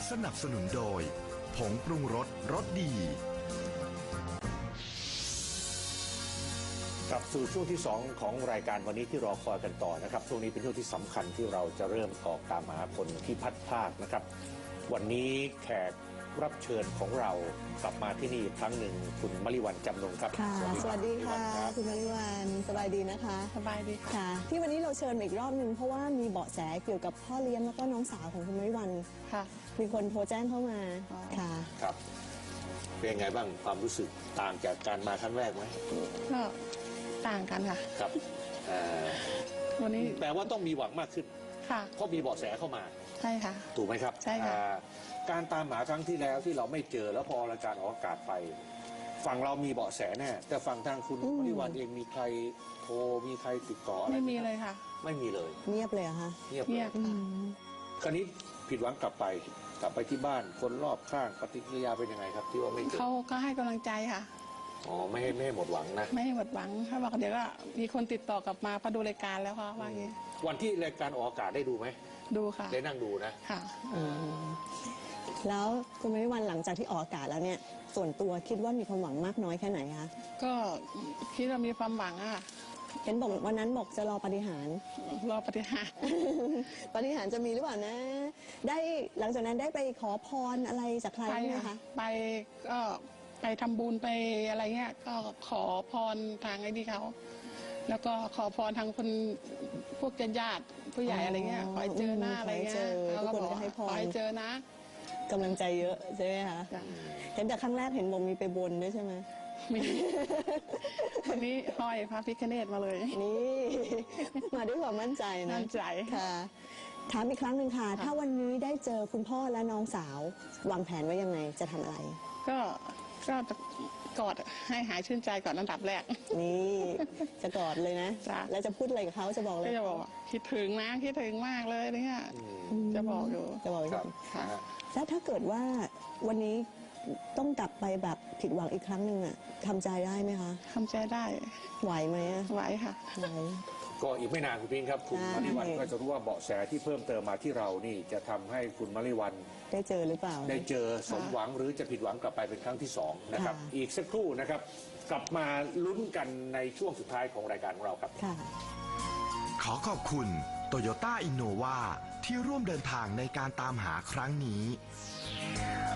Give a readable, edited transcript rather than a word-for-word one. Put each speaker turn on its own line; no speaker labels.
สนับสนุนโดยผงปรุงรสรสดี
กลับสู่ช่วงที่2ของรายการวันนี้ที่รอคอยกันต่อนะครับช่วงนี้เป็นช่วงที่สำคัญที่เราจะเริ่มออกตามหาคนที่พัดพรากนะครับวันนี้แขกรับเชิญของเรากลับมาที่นี่อีกครั้งหนึ่งคุณมริวรรณจำนงครับ
ค่ะสวัสดีค่ะคุณมริวรรณสบายดีนะคะ
สบายดี
ค่ะที่วันนี้เราเชิญอีกรอบนึงเพราะว่ามีเบาะแสเกี่ยวกับพ่อเลี้ยงแล้วก็น้องสาวของคุณมริวรรณ
ค่ะ
มีคนโทรแจ้งเข้ามาค่ะ
ครับเป็นยังไงบ้างความรู้สึกต่างจากการมาครั้งแรกไหม
ก็ต่างกันค่ะ
ครับ
วันนี้
แปลว่าต้องมีหวังมากขึ้น
ค่ะ
เพราะมีเบาะแสเข้ามา
ใช่ค่ะ
ถูกไหมครับ
ใช่ค่ะ
การตามหาครั้งที่แล้วที่เราไม่เจอแล้วพอรายการออกอากาศไปฝั่งเรามีเบาะแสแน่แต่ฝั่งทางคุณมริวรรณเองมีใครโทรมีใครติดต่ออะไร
ไม่มีเลยค่ะ
ไม่มีเลย
เงียบเลยค่ะ
เงียบ
ค่ะ
คราวนี้ผิดหวังกลับไปที่บ้านคนรอบข้างปฏิกิริยาเป็นยังไงครับที่ว่าไม่เจอ
เขาก็ให้กำลังใจค่ะ
อ๋อไม่ให้หมดหวังนะ
ไม่ให้หมดหวังเขาบอกเดี๋ยวก็มีคนติดต่อกลับมาพอดูรายการแล้วค่ะว่าอย่างนี้
วันที่รายการออกอากาศได้ดูไหม
ดูค่ะ
ได้นั่งดูนะ
ค่ะ
แล้วคุณมริวรรณหลังจากที่ออกอากาศแล้วเนี่ยส่วนตัวคิดว่ามีความหวังมากน้อยแค่ไหนคะ
ก็คิดว่ามีความหวังอ่ะ
เห็นบอกวันนั้นบอกจะรอปาฏิหาริย์
รอปาฏิหาริย์
ปาฏิหาริย์จะมีหรือเปล่านะได้หลังจากนั้นได้ไปขอพรอะไรจากใครไหมคะ
ไปก็ไปทำบุญไปอะไรเงี้ยก็ขอพรทางไอ้นี่เขาแล้วก็ขอพรทางคนพวกญาติผู้ใหญ่อะไรเงี้ยขอให้เจอหน้าอะไรเงี้ย
ทุกคนก็ให้พร
ขอให้เจอนะ
กำลังใจเยอะใช่ไหมคะเห็นแต่ครั้งแรกเห็นบอกมีไปบนด้วยใช่ไหม
มีวันนี้ห้อยพระพิฆเนศมาเลย
นี่มาด้วยความมั่นใจนะ
มั่นใจ
ค่ะถามอีกครั้งหนึ่งค่ะถ้าวันนี้ได้เจอคุณพ่อและน้องสาววางแผนไว้ยังไงจะทำอะไร
ก็กอดให้หายชื่นใจก่อนอันดับแรก
นี่จะกอดเลยนะแล้วจะพูดอะไรกับเขาจะบอกเลย
จะบอกคิดถึงนะคิดถึงมากเลยเนี่ยจะบอกอยู่
ค่ะแล้วถ้าเกิดว่าวันนี้ต้องกลับไปแบบผิดหวังอีกครั้งหนึ่งอ่ะทำใจได้ไหมคะ
ทำใจได้
ไหวไหม
ไหวค่ะ
ไหว
ก็อีกไม่นานคุณพิงครับคุณมริวรรณก็จะรู้ว่าเบาะแสที่เพิ่มเติมมาที่เรานี่จะทำให้คุณมริวรรณ
ได้เจอหรือเปล่า
ได้เจอสมหวังหรือจะผิดหวังกลับไปเป็นครั้งที่2นะครับอีกสักครู่นะครับกลับมาลุ้นกันในช่วงสุดท้ายของรายการของเราครับ
ขอขอบคุณ Toyota Innova ที่ร่วมเดินทางในการตามหาครั้งนี้